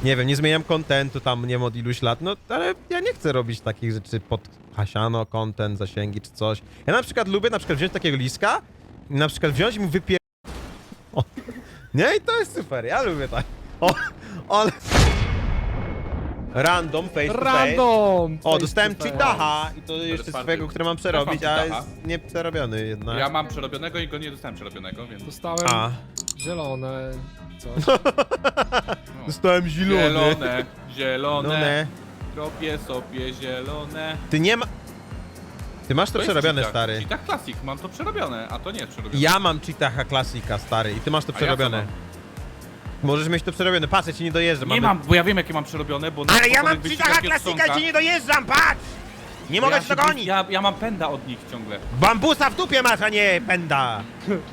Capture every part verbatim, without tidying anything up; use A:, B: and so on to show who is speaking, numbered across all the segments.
A: nie wiem, nie zmieniam kontentu tam, nie wiem, od iluś lat, no ale ja nie chcę robić takich rzeczy pod hasiano, content, zasięgi czy coś. Ja na przykład lubię na przykład wziąć takiego liska i na przykład wziąć i mu wypier... O. Nie, i to jest super, ja lubię tak. O, ale... Random, face to face.
B: Random!
A: O,
B: face
A: dostałem
B: to face.
A: cheataha i to jeszcze
C: czwarty.
A: swojego, który mam przerobić,
C: mam
A: a
C: cheataha.
A: jest nieprzerobiony jednak.
C: Ja mam przerobionego i go nie dostałem przerobionego, więc...
B: Dostałem
A: A.
B: zielone coś.
C: No.
A: Dostałem zielony.
C: Zielone, zielone,
A: Zielone.
C: robię sobie zielone.
A: Ty nie ma... Ty masz to,
C: To jest
A: przerobione,
C: cheatach.
A: stary.
C: Cheatach Classic, mam to przerobione, a to nie jest przerobione.
A: Ja mam cheataha klasika, stary, i ty masz to
C: A ja
A: przerobione.
C: co
A: Możesz mieć to przerobione, patrz, ja ci nie dojeżdżam.
C: Nie
A: mamy...
C: mam, bo ja wiem jakie mam przerobione, bo... na
A: Ale ja
C: spokojnych
A: mam
C: wyścigach
A: cheataha
C: jest
A: klasika i
C: stonka.
A: ci nie dojeżdżam, patrz! Nie mogę
C: ja
A: cię
C: się-
A: dogonić!
C: Ja, ja mam pęda od nich ciągle.
A: Bambusa w dupie masz, a nie pęda!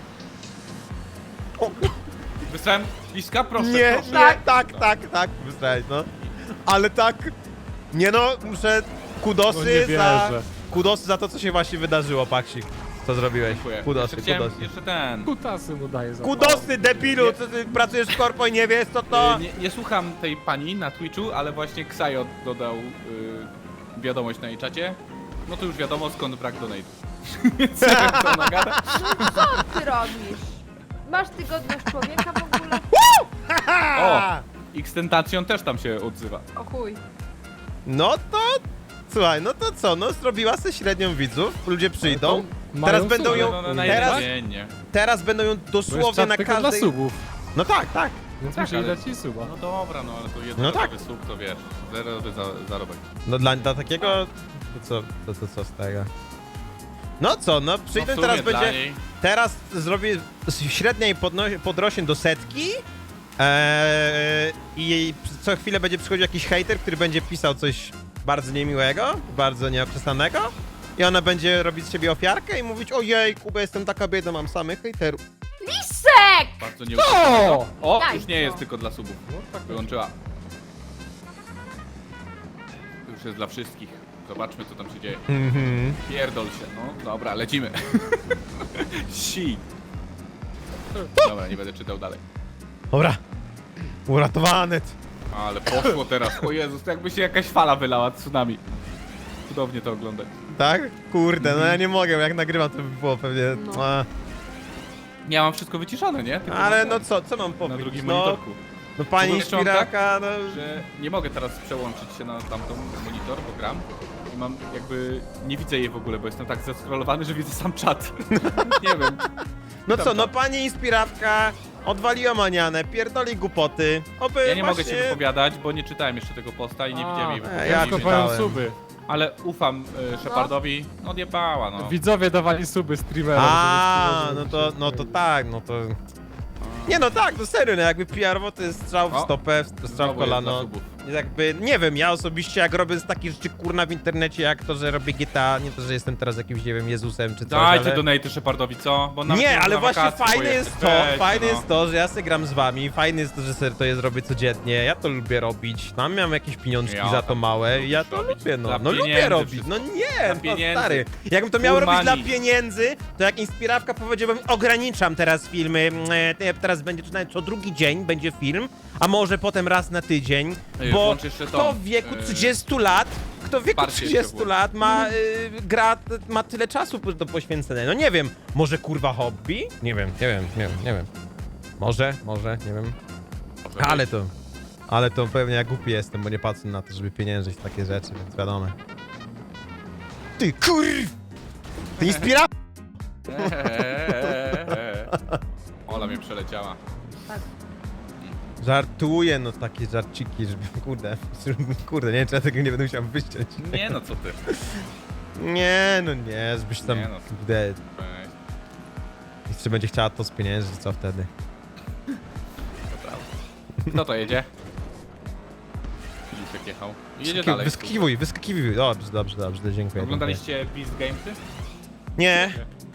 C: Wysłałem liska, proszę,
A: Nie,
C: proszę.
A: tak, tak, tak, tak, wysłałeś, no. Ale tak, nie no, muszę
B: No
A: kudosy
B: nie
A: za...
B: wierzę.
A: Kudosy za to, co się właśnie wydarzyło, Paksik. Co zrobiłeś?
C: Dziękuję.
A: Kudosy,
C: jeszcze, chciałem-
A: kudosy.
C: jeszcze ten...
B: Kutasy mu daje za
A: Kudosy, debilu, co ty pracujesz w korpo i nie wiesz, co to?
C: Y, Nie, nie słucham tej pani na Twitchu, ale właśnie Xayo dodał y, wiadomość na jej czacie. No to już wiadomo skąd brak donate'u. Więc nie wiem co ona gada.
D: Co ty robisz? Masz tygodność człowieka w ogóle?
C: O! Xtentacion też tam się odzywa.
D: O chuj.
A: No to... Słuchaj, no to co, no zrobiła se średnią widzów, ludzie przyjdą.
B: to mają
A: Teraz będą
B: sumę.
A: ją...
C: No, no, na
A: Teraz,
C: jeden dzień, nie?
A: teraz będą ją
B: Bo jest
A: dosłownie
B: czat
A: na
B: tylko dla
A: każdej...
B: subów,
A: No tak, tak.
B: więc
C: Tak,
B: musieli
C: ale-
B: dać ci suba.
C: No dobra, no ale to jeden
A: No tak.
C: sub to wiesz, zerowy za, zarobek.
A: No dla, dla takiego... To co, to, to co z tego? No co, no
C: No w
A: przyjdę,
C: sumie
A: teraz
C: dla
A: będzie...
C: niej.
A: Teraz zrobię średnia i podno- podrośnie do setki. Eee, I co chwilę będzie przychodził jakiś hejter, który będzie pisał coś bardzo niemiłego, bardzo nieokreślonego. I ona będzie robić z siebie ofiarkę i mówić: ojej, Kuba, jestem taka biedna, mam samych hejterów.
D: Lisek!
C: Bardzo nieuczciwego. O,
D: Daj
C: już nie
D: to.
C: jest tylko dla subów.
B: No tak
C: Wyłączyła. To już jest dla wszystkich. Zobaczmy co tam się dzieje.
A: Mhm.
C: Pierdol się, no dobra, lecimy. Si. Dobra, nie będę czytał dalej.
A: Dobra. Uratowany.
C: Ale poszło teraz. O Jezus, to jakby się jakaś fala wylała, tsunami. Cudownie to oglądać.
A: Tak? Kurde, no ja nie mogę, jak nagrywam, to by było pewnie...
D: No.
A: A,
C: Ja mam wszystko wyciszone, nie? Tylko
A: ale
C: na-
A: no co, co mam
C: Na
A: powiedzieć?
C: drugim
A: No,
C: monitorku.
A: no pani
C: Mówię, że on tak,
A: Inspiraka, no...
C: Że nie mogę teraz przełączyć się na tamtą monitor, bo gram. I mam jakby... Nie widzę jej w ogóle, bo jestem tak zeskrolowany, że widzę sam czat. Nie wiem.
A: No
C: Tam,
A: co, no
C: tam.
A: pani Inspirawka odwaliła manianę, pierdoli głupoty. Oby
C: Ja nie mogę
A: właśnie...
C: się wypowiadać, bo nie czytałem jeszcze tego posta i nie widziałem jej
A: e,
C: wypowiedzi.
A: ja
B: Ja
A: czytałem.
B: kopają suby.
C: Ale ufam y, Shepardowi. No odjebała, no.
B: Widzowie dawali suby streamerom.
A: A,
B: żeby
A: no
B: streamerzy
A: to, no to
B: się
A: tak, no to... Nie no tak, no serio, no jakby P R-owo to jest strzał w
C: O,
A: stopę, strzał w
C: Znowu jest dla
A: kolano.
C: subów.
A: Jakby, nie wiem, ja osobiście jak robię z takich rzeczy kurna w internecie, jak to, że robię G T A, nie to, że jestem teraz jakimś, nie wiem, Jezusem czy coś,
C: Dajcie
A: ale...
C: donaty Shepardowi, co? Bo nawet
A: Nie,
C: może
A: ale
C: na
A: właśnie
C: wakacje
A: fajne
C: pojechać.
A: jest to,
C: Weź,
A: fajne
C: no.
A: jest to, że ja sobie gram z wami, fajne jest to, że sobie to jest robię codziennie, ja to lubię robić, tam miałem jakieś pieniążki
C: Ja
A: za to
C: tam
A: małe,
C: lubisz
A: ja to
C: robić.
A: lubię, no,
C: Dla
A: no lubię
C: pieniędzy
A: robić,
C: wszystko.
A: no nie,
C: Dla
A: no
C: pieniędzy.
A: stary, jakbym to miał
C: Full
A: robić dla
C: money.
A: pieniędzy, to jak Inspirawka powiedziałbym, ograniczam teraz filmy, mm, e, teraz będzie przynajmniej co drugi dzień będzie film, a może potem raz na tydzień,
C: Ej,
A: bo
C: włącz jeszcze
A: kto
C: tą,
A: w wieku
C: yy,
A: trzydziestu lat, kto w wieku
C: wsparcie jeszcze
A: trzydziestu
C: włącz.
A: lat ma, y, gra, ma tyle czasu do poświęcenia, no nie wiem, może kurwa hobby? Nie wiem, nie wiem, nie wiem, nie wiem. Może, może, nie wiem.
C: Może
A: Ale to, ale to pewnie ja głupi jestem, bo nie patrzę na to, żeby pieniężyć takie rzeczy, więc wiadomo. Ty kurw! Ty inspira...
C: Eee, Ola mnie przeleciała.
A: Żartuję, no takie żarciki, żeby, kurde, kurde, nie wiem, czy ja tego nie będę musiał wyściąć.
C: Nie no, co ty.
A: Nie, no nie, żebyś tam,
C: Nie no.
A: kurde,
C: Weź,
A: jeszcze będzie chciała to spieniężyć, co wtedy?
C: to prawda. Kto to jedzie? Lisek jechał. Jedzie
A: Wyskaki-
C: dalej.
A: Wyskakiwuj, wyskakiwuj, dobrze, dobrze, dobrze, dziękuję. dziękuję.
C: Oglądaliście Beast Gamesy?
A: Nie.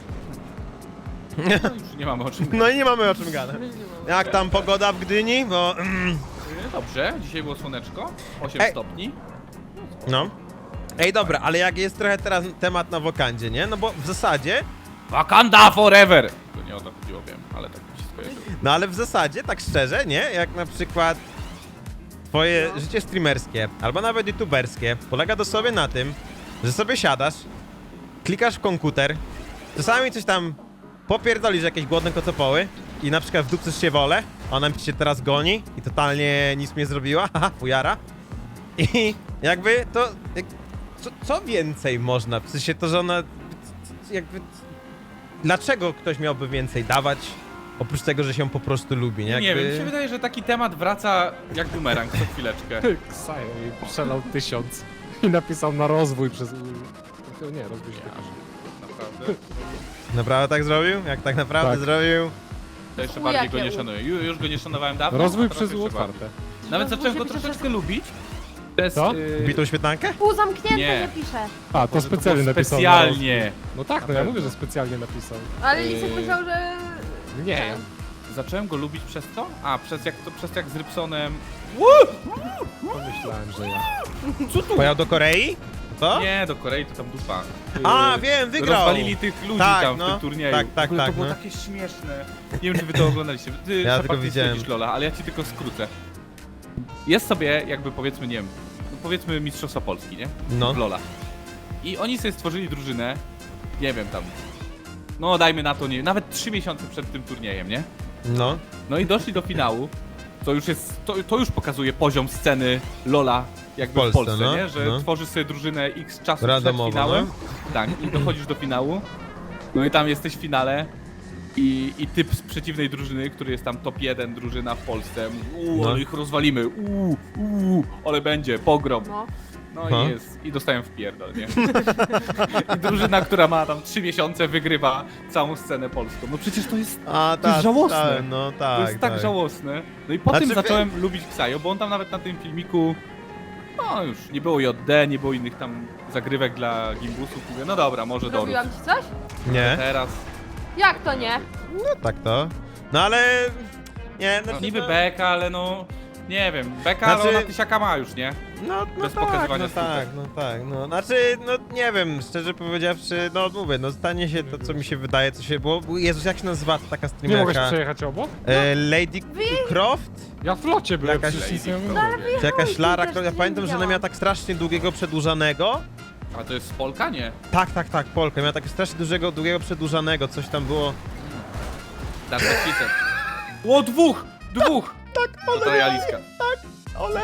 C: No już nie mamy o czym.
A: No i nie mamy o czym gadać. Jak tam pogoda w Gdyni? Bo...
C: Dobrze, dzisiaj było słoneczko. osiem
A: Ej.
C: stopni.
A: No. Ej, dobra, ale jak jest trochę teraz temat na wokandzie, nie? No bo w zasadzie...
C: Wakanda forever! To nie o to chodziło, wiem, ale tak mi się skojarzyło.
A: No ale w zasadzie, tak szczerze, nie? Jak na przykład twoje
D: No.
A: życie streamerskie, albo nawet youtuberskie, polega dosłownie na tym, że sobie siadasz, klikasz w komputer, czasami coś tam popierdolisz jakieś głodne kocopoły i na przykład wdupcysz się wolę, ona mi się teraz goni i totalnie nic mi nie zrobiła, haha, fujara. I jakby to... Jak, co, co więcej można? W sensie to, że ona... Jakby... Dlaczego ktoś miałby więcej dawać, oprócz tego, że się po prostu lubi, nie?
C: Nie
A: Jakby...
C: wiem, mi się wydaje, że taki temat wraca jak bumerang co chwileczkę.
B: Ksajo i przelał tysiąc i napisał na rozwój przez... Nie, rozwój się wykaże.
C: Naprawdę.
A: Naprawdę tak zrobił? Jak tak naprawdę
B: Tak.
A: zrobił?
C: To jeszcze
D: U,
C: bardziej go
D: jakie
C: nie
D: u.
C: szanuję. Ju- Już go nie szanowałem dawno.
B: Rozwój
C: a teraz
B: przez U
C: jeszcze
B: otwarte.
C: bardziej. Nawet
D: Rozwój
C: zacząłem go
D: się pisze
C: troszeczkę
D: przez-
C: lubić. Przez,
B: Co?
C: yy,
A: Bitą świetlankę?
D: Pół zamknięte
C: Nie.
D: nie, pisze.
B: A, to
C: może to
B: specjalnie
C: było
B: napisał na rozwój.
C: Specjalnie.
B: No tak, no ja mówię, że specjalnie napisał.
D: Ale
C: Yy.
D: Lisek myślał, że...
B: Nie.
C: Zacząłem go lubić przez to? A, przez jak to, przez jak z Rybsonem...
B: Pomyślałem, że ja.
A: Pojechał do Korei? To?
C: Nie, do Korei to tam dupa.
A: A,
C: Yy,
A: wiem, wygrał!
C: Rozwalili tych ludzi
A: Tak,
C: tam w
A: no.
C: tym turnieju.
A: Tak, tak,
C: w ogóle
A: tak,
C: to było
A: no.
C: takie śmieszne. Nie wiem, czy wy to oglądaliście. Ty
A: Ja
C: ja
A: tylko widziałem.
C: Śledzisz Lola, ale ja ci tylko skrócę. Jest sobie jakby powiedzmy, nie wiem, no powiedzmy Mistrzostwa Polski, nie?
A: No.
C: W Lola. I oni sobie stworzyli drużynę, nie wiem tam, no dajmy na to, nie wiem, nawet trzy miesiące przed tym turniejem, nie?
A: No.
C: No i doszli do finału, to już jest, to, to już pokazuje poziom sceny Lola jakby w
A: W
C: Polsce,
A: Polsce, no,
C: nie? Że
A: no.
C: tworzysz sobie drużynę x czasu
A: Randomowo,
C: przed finałem, tak, i dochodzisz do finału, no i tam jesteś w finale i, i typ z przeciwnej drużyny, który jest tam top jeden drużyna w Polsce, mówi, uuu,
A: No.
C: ale ich rozwalimy, uuu, uuu, ale będzie, pogrom.
D: No.
C: No
A: Aha.
C: i jest, i dostałem w pierdol, nie? I drużyna, która ma tam trzy miesiące, wygrywa całą scenę polską. No przecież to jest,
A: A,
C: to jest żałosne.
A: tak, no tak,
C: to jest tak, żałosne. No i po
A: Znaczy,
C: tym
A: wie-
C: zacząłem lubić Ksajo, bo on tam nawet na tym filmiku, no już nie było J D, nie było innych tam zagrywek dla gimbusów. Mówię, no dobra, może dorób.
D: Zrobiłam ci coś?
A: Nie?
C: Teraz,
D: Jak to nie?
A: No tak to. No ale... Nie,
C: no,
A: znaczy,
C: niby
A: no,
C: beka, ale no, nie wiem, beka,
A: Znaczy-
C: ale ona tysiaka ma już, nie?
A: No, no
C: bez
A: tak,
C: pokazywania
A: no
C: stópek.
A: tak, no tak, no. Znaczy, no nie wiem, szczerze powiedziawszy, no mówię, no stanie się to, co mi się wydaje, co się było... Jezus, jak się nazywa ta taka
B: Nie mogłeś
A: streamerka?
B: przejechać obok?
A: E, Lady Croft?
B: Ja w locie byłem,
A: Jakaś
B: przecież nic
C: Lady
B: nie
C: Croft.
B: mówię.
A: Czy jakaś
D: Oj,
A: Lara
D: też
A: Croft? Ja
D: nie
A: pamiętam, że ona
D: widziałam.
A: miała tak strasznie długiego przedłużanego.
C: A to jest z Polka, nie?
A: Tak, tak, tak, Polka. Miała tak strasznie dużego, długiego przedłużanego, coś tam było.
C: Dark Fisher. O, dwóch! Dwóch! Tak, to Trajaliska.
A: Ole!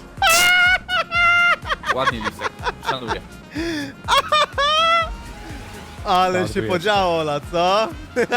C: Ładnie, Lisek. Szanuję.
A: Ale
B: Bardzo
A: się
B: jest.
A: podziało, Ola, co?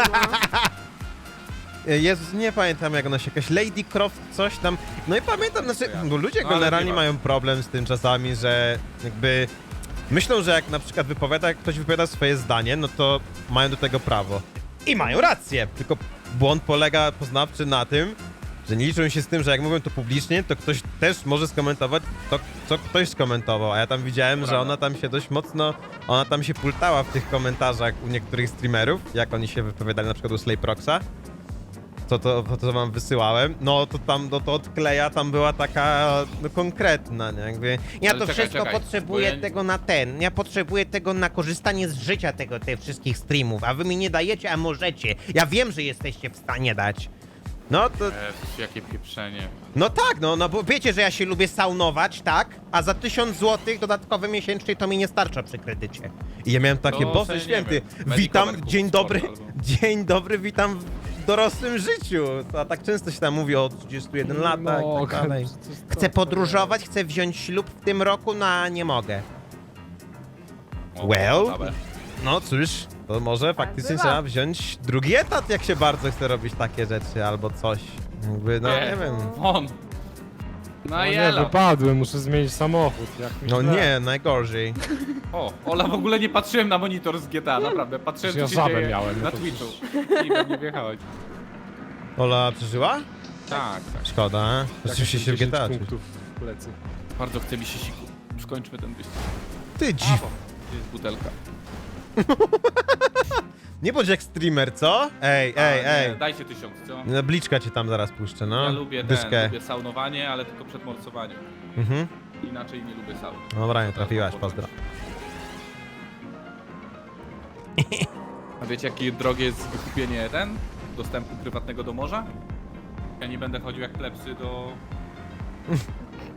A: Jezus, nie pamiętam jak ona się, jakaś Lady Croft, coś tam. No i pamiętam, znaczy, bo ludzie
C: No, ale
A: generalnie
C: nie ma.
A: mają problem z tym czasami, że jakby myślą, że jak na przykład wypowiada, jak ktoś wypowiada swoje zdanie, no to mają do tego prawo. I mają rację, tylko błąd polega poznawczy na tym, że nie liczą się z tym, że jak mówią to publicznie, to ktoś też może skomentować to, co ktoś skomentował, a ja tam widziałem, że
C: Prawda.
A: ona tam się dość mocno, ona tam się pultała w tych komentarzach u niektórych streamerów, jak oni się wypowiadali, na przykład u Slayproxa, to, to, to, co wam wysyłałem, no to tam, no to odkleja tam była taka, no konkretna, nie, jakby, ja
C: Ale
A: to
C: czekaj,
A: wszystko
C: czekaj,
A: potrzebuję
C: bo ja-
A: tego na ten, ja potrzebuję tego na korzystanie z życia tego, tych wszystkich streamów, a wy mi nie dajecie, a możecie, ja wiem, że jesteście w stanie dać. No to,
C: Jezus, jakie pieprzenie.
A: no tak, no, no bo wiecie, że ja się lubię saunować, tak? A za tysiąc złotych dodatkowe miesięcznie to mi nie starcza przy kredycie. I ja miałem takie,
C: To
A: Boże
C: sobie nie
A: święty,
C: wiem, Medicover
A: witam,
C: kup
A: dzień
C: sport
A: dobry,
C: albo-
A: dzień dobry, witam w dorosłym życiu. A tak często się tam mówi o trzydziestu jeden latach i tak dalej. Chcę podróżować, chcę wziąć ślub w tym roku, no a nie mogę.
C: O,
A: Well?
C: ciekawe.
A: No cóż, to może faktycznie
D: bywa.
A: trzeba wziąć drugi etat, jak się bardzo chce robić takie rzeczy, albo coś. Jakby, no nie wiem.
C: Won. No
B: No nie,
C: jelo.
B: wypadłem, muszę zmienić samochód. Jak mi
A: No
B: źle.
A: nie, najgorzej.
C: O, Ola, w ogóle nie patrzyłem na monitor z G T A, naprawdę. Patrzyłem,
B: Przecież
C: co
B: ja
C: się
B: żabę
C: dzieje
B: miałem, no
C: na
B: to
C: Twitchu. I we mnie wjechałeś.
A: Ola przeżyła?
C: Tak, tak.
A: Szkoda,
B: Jak
A: rzeczywiście się w
B: dziesięć
A: G T A.
B: punktów w plecy.
C: Bardzo chce mi się siku. Skończmy ten wyścig.
A: Ty dziw.
C: Gdzie jest butelka?
A: Nie bądź jak streamer, co? Ej,
C: A,
A: ej,
C: nie,
A: ej.
C: Dajcie tysiąc, co?
A: No, Bliczka cię tam zaraz puszczę, no.
C: Ja lubię ten,
A: Dyszkę.
C: lubię saunowanie, ale tylko przed morsowaniem.
A: Mhm.
C: Inaczej nie lubię sauny.
A: Dobra, nie trafiłaś, pozdro.
C: A wiecie, jakie drogie jest wykupienie ten? Dostępu prywatnego do morza? Ja nie będę chodził jak plepsy do...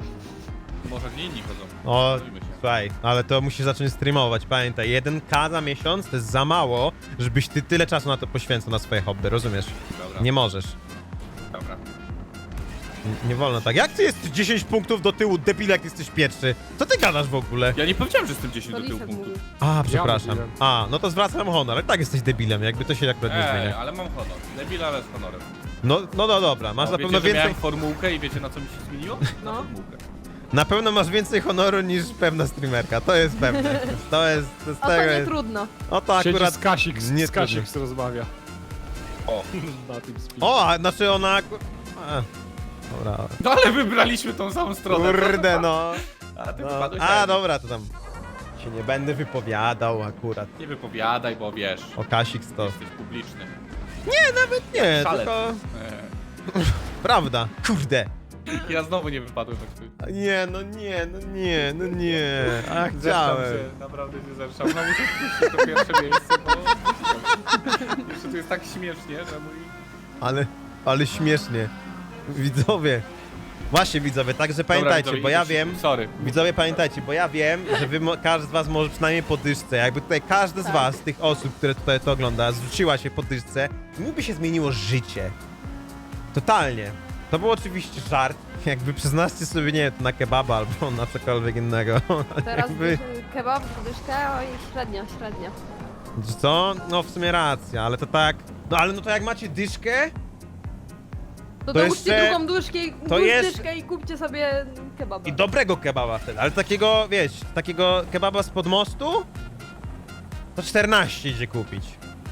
C: Może gdzie inni chodzą.
A: O,
C: Bawimy się.
A: słuchaj, ale to musisz zacząć streamować, pamiętaj, jeden K za miesiąc to jest za mało, żebyś ty tyle czasu na to poświęcał, na swoje hobby, rozumiesz?
C: Dobra,
A: Nie możesz.
C: dobra.
A: N- Nie wolno tak. Jak ty jest dziesięć punktów do tyłu, debil, jak jesteś pierwszy? Co ty gadasz w ogóle?
C: Ja nie powiedziałem, że jestem dziesięć
D: To
C: do tyłu
D: Lisek
C: punktów.
D: mówił.
A: A, przepraszam.
B: mówiłem.
A: A, no to zwracam honor, ale tak jesteś debilem, jakby to się akurat nie
C: Ej,
A: zmienia.
C: ale mam honor. Debil, ale z honorem.
A: No, no, no dobra, masz
C: O,
A: na
C: wiecie,
A: pewno
C: że
A: więcej,
C: miałem formułkę i wiecie na co mi się zmieniło? Na
D: No.
C: formułkę.
A: na pewno masz więcej honoru niż pewna streamerka, to jest pewne. To jest, to jest
D: O to
A: tego
D: nie
A: jest.
D: trudno.
A: O to
B: Siedzi
A: akurat...
B: z Kasik,
A: nie
B: z Kasik rozmawia.
C: O.
B: Na tym speed.
A: O, a znaczy ona... aku- A, dobra.
C: No ale wybraliśmy tą samą stronę.
A: Kurde no.
C: A ty
A: no.
C: wypadłeś
A: A,
C: tak.
A: dobra, to tam się nie będę wypowiadał akurat.
C: Nie wypowiadaj, bo wiesz,
A: O Kasik to.
C: jesteś publiczny.
A: Nie,
C: Szalec.
A: tylko...
C: Eee.
A: Prawda. Kurde.
C: Ja znowu nie wypadłem tak tu.
A: Nie, no nie, no nie, no nie. A
C: Zresztą
A: chciałem.
C: się, naprawdę się zresztą. No muszę wpuścić to pierwsze miejsce, bo jeszcze tu jest tak śmiesznie, że mój...
A: Ale, ale śmiesznie. Widzowie. Właśnie widzowie, także pamiętajcie,
C: widzowie,
A: bo ja
C: idę się-
A: wiem...
C: Sorry.
A: Widzowie, pamiętajcie, bo ja wiem, że wy, mo- każdy z was może przynajmniej po dyszce. Jakby tutaj każdy z
D: Tak.
A: was, tych osób, które tutaj to ogląda, zwróciła się po dyszce, mi by się zmieniło życie. Totalnie. To był oczywiście żart. Jakby przyznacie sobie, nie wiem, na kebaba albo na cokolwiek innego.
D: Teraz
A: Jakby,
D: kebab, dyszkę, oj, średnia, średnia.
A: co? No w sumie racja, ale to tak... No ale no to jak macie dyszkę,
D: To,
A: To
D: dołóżcie
A: jeszcze-
D: drugą duszkę, i-
A: to jest-
D: dyszkę i kupcie sobie kebaba.
A: i dobrego kebaba wtedy, ale takiego, wiesz, takiego kebaba spod mostu, to czternaście idzie kupić.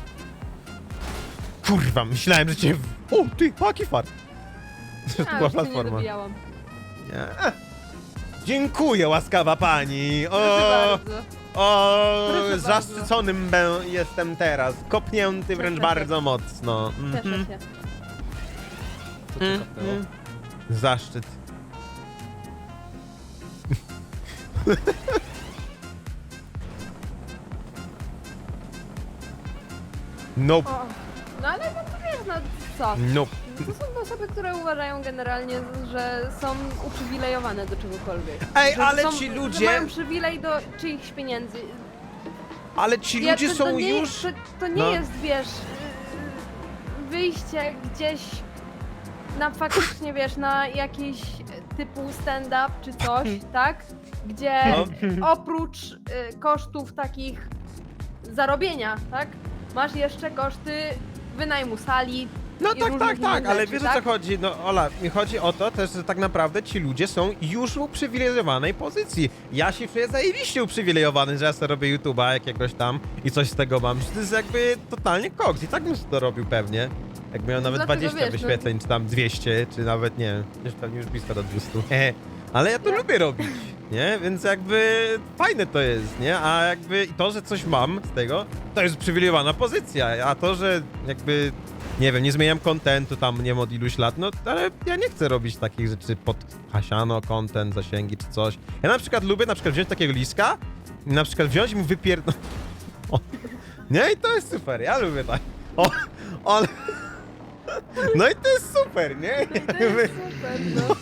A: Kurwa, myślałem, że cię... w- O, ty, paki fart. Że to
D: A,
A: była
D: już się nie
A: platforma.
D: dobijałam.
A: Nie. Dziękuję, łaskawa pani.
D: Proszę
A: O,
D: bardzo.
A: o,
D: Proszę
A: zaszczyconym bę- jestem teraz. Kopnięty wręcz
D: Cieszę się.
A: bardzo mocno.
D: Cieszę
A: Mhm.
D: się.
B: Co cię kapnęło?
A: Mhm. Zaszczyt. Nope.
D: O, no ale no to wiesz, no co?
A: Nope.
D: To są osoby, które uważają generalnie, że są uprzywilejowane do czegokolwiek.
A: Ej,
D: Że
A: ale
D: są,
A: ci
D: Że
A: ludzie,
D: mają przywilej do czyichś pieniędzy.
A: ale ci
D: Ja-
A: ludzie
D: to,
A: są
D: to nie,
A: już...
D: To, to nie
A: no.
D: jest, wiesz, yy, wyjście gdzieś na faktycznie, wiesz, na jakiś typu stand-up czy coś, tak? Gdzie
A: No.
D: oprócz y, kosztów takich zarobienia, tak? Masz jeszcze koszty wynajmu sali.
A: No
D: i
A: tak,
D: różnych
A: tak, tak,
D: innych
A: ale
D: rzeczy,
A: wiesz o
D: tak?
A: co chodzi, no Ola, mi chodzi o to też, że tak naprawdę ci ludzie są już w uprzywilejowanej pozycji. Ja się czuję zajebiście uprzywilejowany, że ja sobie robię YouTube'a jakiegoś tam i coś z tego mam, że to jest jakby totalnie koks i tak bym to robił pewnie. Jak miał nawet
D: Dlatego
A: dwadzieścia
D: wiesz, no-
A: wyświetleń, czy tam dwieście, czy nawet nie wiem, już pewnie już blisko do dwieście. Hehe. Ale ja to
D: Ja-
A: lubię robić, nie? Więc jakby fajne to jest, nie? A jakby to, że coś mam z tego, to jest uprzywilejowana pozycja, a to, że jakby nie wiem, nie zmieniam kontentu tam, nie wiem, od iluś lat, no ale ja nie chcę robić takich rzeczy pod hasiano, content, zasięgi czy coś. Ja na przykład lubię na przykład wziąć takiego liska i na przykład wziąć i mu wypierdol... O. Nie, i to jest super, ja lubię tak. O, ale... No i to jest super, nie?
D: No i to jest super, no.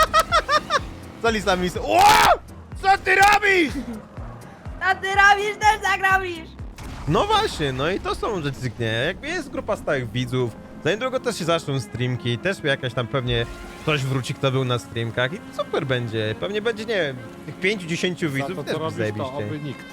A: Co lisa mi... O! Co ty robisz?
D: A ty robisz, też tak robisz!
A: No właśnie, no i to są rzeczy, nie? Jakby jest grupa stałych widzów, za niedługo też się zaczną streamki, też jakaś tam pewnie ktoś wróci, kto był na streamkach i super będzie. Pewnie będzie, nie wiem, tych pięciu dziesięciu
B: Za
A: widzów
B: to,
A: też
B: co
A: będzie
B: robisz, to
A: zajebiście.
B: oby nikt.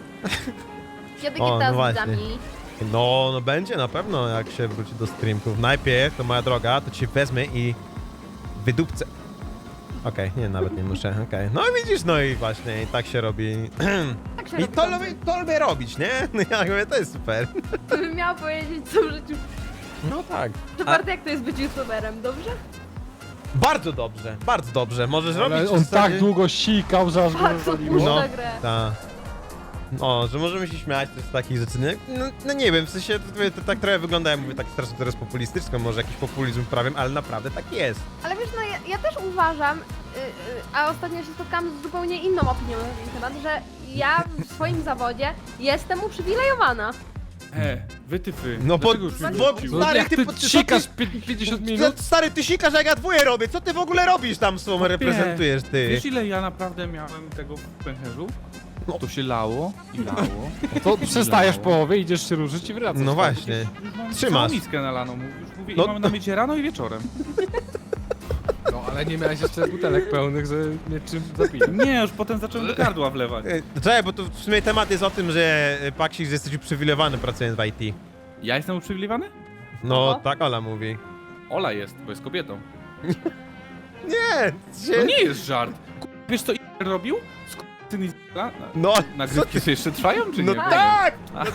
D: Kiedy
A: O,
D: kita
A: no
D: z
A: właśnie.
D: widzami?
A: No, no będzie na pewno, jak się wróci do streamków. Najpierw, to moja droga, to cię wezmę i wydupcę. Okej, nie, nawet nie muszę, okej. No widzisz, no i właśnie, i tak się robi.
D: Tak się
A: I
D: robi
A: to
D: dobrze.
A: lubię, to lubię robić, nie? No ja mówię, to jest super.
D: To bym miał powiedzieć co w życiu.
A: No tak.
D: To Bartek, jak to jest być youtuberem, dobrze?
A: Bardzo dobrze, bardzo dobrze. Możesz robić
B: Ale
A: w
B: on
A: zasadzie-
B: tak długo sikał, że aż go
D: Bardzo
B: rozwaliło.
D: puszcza
A: No.
D: grę.
A: Tak. O, że możemy się śmiać też z takich rzeczy. Nie? No, no nie wiem, w sensie to, to tak trochę wygląda, ja mówię tak strasznie teraz populistyczko, może jakiś populizm prawiem, ale naprawdę tak jest.
D: Ale wiesz, no ja, ja też uważam, y, y, a ostatnio się spotkałam z zupełnie inną opinią na ten temat, że ja w swoim zawodzie jestem uprzywilejowana.
C: E, wytyfy.
A: No bo,
C: Dlaczego już mnie
A: bo
C: wyrzucił?
B: No
A: stary,
B: jak
A: ty,
B: ty
A: po- co
B: sikasz
A: ty,
B: pi- pięćdziesiąt minut?
A: stary, ty sikasz jak ja dwoje robię, co ty w ogóle robisz tam słowem reprezentujesz, ty?
C: Wiesz ile ja naprawdę miałem tego w pęcherzu? To się lało i lało.
B: To przestajesz w połowie, idziesz się ruszyć i wracasz.
A: No
B: tak?
A: właśnie.
C: Już mam
A: Trzymasz.
C: całą miskę nalaną, już mówię,
A: No
C: i mamy
A: to-
C: na mycie rano i wieczorem.
B: No ale nie miałeś jeszcze butelek pełnych, że nie czym zapić.
C: Nie, już potem zacząłem do gardła wlewać.
A: Ej, Czekaj, bo tu w sumie temat jest o tym, że e, Paksik, że jesteś uprzywilejowany pracując w I T.
C: Ja jestem uprzywilejowany?
A: No,
D: Oho.
A: tak Ola mówi.
C: Ola jest, bo jest kobietą.
A: Nie,
C: To
A: się...
C: nie jest żart. K- Wiesz co i robił? Syn i z***a?
A: No, co
C: Nagrywki
A: ty?
C: sobie jeszcze trwają, czy
A: No
C: nie?
A: tak!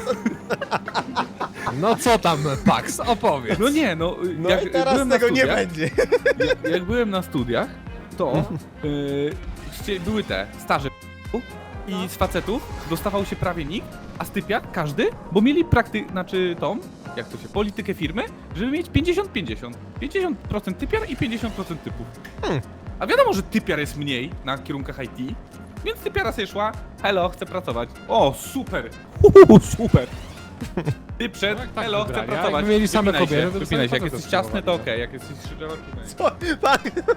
B: No co tam, Pax, opowiedz.
C: No nie, no,
A: No
C: jak
A: i teraz
C: byłem na
A: tego nie
C: studiach,
A: będzie.
C: jak, jak byłem na studiach, to yy, chcie- były te staże i z facetów dostawał się prawie nikt, a z typiar każdy, bo mieli prakty, znaczy tą, jak to się, politykę firmy, żeby mieć pięćdziesiąt pięćdziesiąt. pięćdziesiąt procent typiar i pięćdziesiąt procent typów.
A: Hmm.
C: A wiadomo, że typiar jest mniej na kierunkach I T, więc typiara sobie szła, hello, chcę pracować. O, super, Uhu, super. Ty przed,
B: No jak tak
C: hello, chcę
B: wybrali, a
C: pracować.
B: jakby mieli same
C: Wypinaj
B: kobiety,
C: się,
B: to
C: wypinaj się, jak
B: same
C: jesteś
B: facetów
C: ciasny, to
B: próbowali.
C: okej, jak jesteś szybkowy,
A: Co? Pan...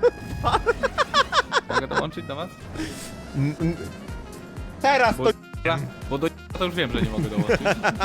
C: mogę dołączyć do was?
A: N- n- Teraz
C: Bo,
A: to...
C: bo do to już wiem, że nie mogę dołączyć.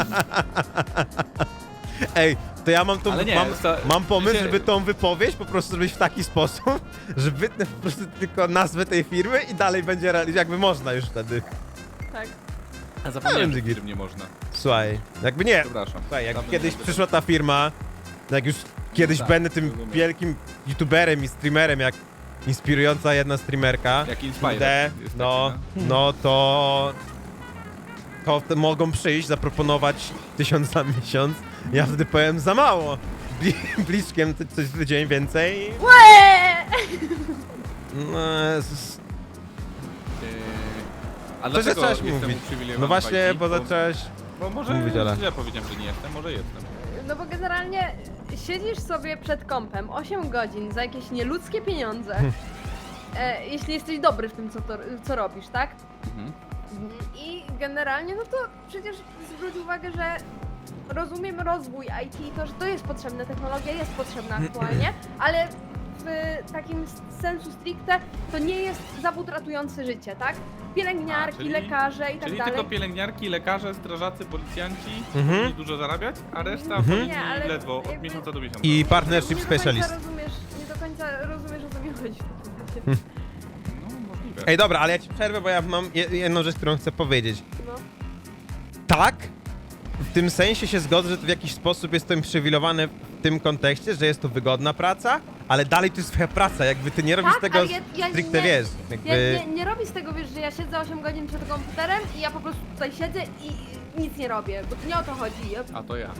A: Ej, to ja mam tą...
C: Ale nie,
A: mam,
C: to-
A: mam pomysł,
C: się-
A: żeby tą wypowiedź po prostu zrobić w taki sposób, że wytnę po prostu tylko nazwę tej firmy i dalej będzie realizować, jakby można już wtedy.
D: Tak.
C: A zapomniałem,
A: Ale
C: że
A: git.
C: którym nie można.
A: Słuchaj, jakby nie,
C: Przepraszam.
A: słuchaj, jak
C: Dawno
A: kiedyś
C: nie
A: przyszła ta firma, jak już kiedyś
C: tak,
A: będę tym
C: rozumiem.
A: wielkim youtuberem i streamerem, jak inspirująca jedna streamerka,
C: Jak Inspire.
A: kurde,
C: jest
A: no,
C: taki,
A: no to... To wtedy mogą przyjść, zaproponować tysiąc na miesiąc, ja wtedy powiem za mało. Bli- Bliczkiem to coś w dzień więcej.
D: Łe!
A: No, Jezus.
C: Yy, A
A: Co
C: dlaczego
A: zacząłeś
C: jestem
A: mówić?
C: uprzywilejowany
A: No
C: w
A: właśnie,
C: I T?
A: bo zacząłeś...
C: Bo może
A: mówić, Ola.
C: źle powiedziałem, że nie jestem, może jestem.
D: No bo generalnie siedzisz sobie przed kompem osiem godzin za jakieś nieludzkie pieniądze. E, jeśli jesteś dobry w tym, co, to, co robisz, tak?
C: Mhm.
D: I generalnie, no to przecież zwróć uwagę, że rozumiem rozwój I T, to, że to jest potrzebne, technologia jest potrzebna aktualnie, ale w takim sensu stricte to nie jest zawód ratujący życie, tak? Pielęgniarki,
C: A, czyli-
D: lekarze i tak
C: Czyli
D: dalej.
C: tylko pielęgniarki, lekarze, strażacy, policjanci
A: Mhm.
C: powinni dużo zarabiać, a reszta
A: Mhm.
C: powinni
D: Nie, ale
C: ledwo od
D: jakby-
C: miesiąca do miesiąca.
A: I partnership
D: nie do końca
A: specialist.
D: rozumiesz, nie do końca rozumiesz, o co mi chodzi w takim razie.
C: No, możliwe.
A: Ej, dobra, ale ja ci przerwę, bo ja mam je- jedną rzecz, którą chcę powiedzieć.
D: No.
A: Tak, w tym sensie się zgodzę, że to w jakiś sposób jest to uprzywilejowane w tym kontekście, że jest to wygodna praca, ale dalej to jest twoja praca, jakby ty nie robisz
D: Tak,
A: tego
D: ale ja- ja
A: stricte,
D: nie-
A: wiesz,
D: Ja
A: jakby...
D: nie, nie robię z tego, wiesz, że ja siedzę osiem godzin przed komputerem i ja po prostu tutaj siedzę i nic nie robię, bo to nie o to chodzi. Ja,
C: A to ja.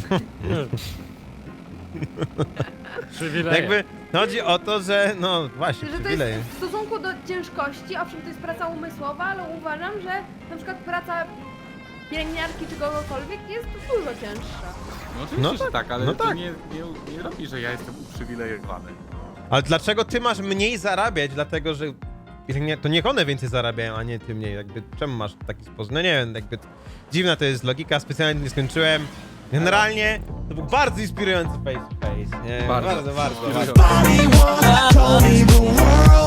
B: Przywileje.
A: Jakby chodzi o to, że no właśnie,
D: że to
A: przywileje.
D: jest w stosunku do ciężkości, owszem, to jest praca umysłowa, ale uważam, że na przykład praca pielęgniarki czy kogokolwiek jest dużo cięższa.
C: No oczywiście,
A: No
C: że
A: tak,
C: tak, ale
A: no
C: to
A: tak.
C: nie, nie, nie robi, że ja jestem uprzywilejowany.
A: Ale dlaczego ty masz mniej zarabiać? Dlatego, że nie, to niech one więcej zarabiają, a nie ty mniej. Jakby czemu masz taki sposób? No nie wiem, jakby dziwna to jest logika, specjalnie nie skończyłem. Generalnie to był bardzo inspirujący face to face. Nie,
C: Bardzo.
A: bardzo, bardzo.
C: Inspirujący.
A: bardzo.
E: Nobody wanna tell me the world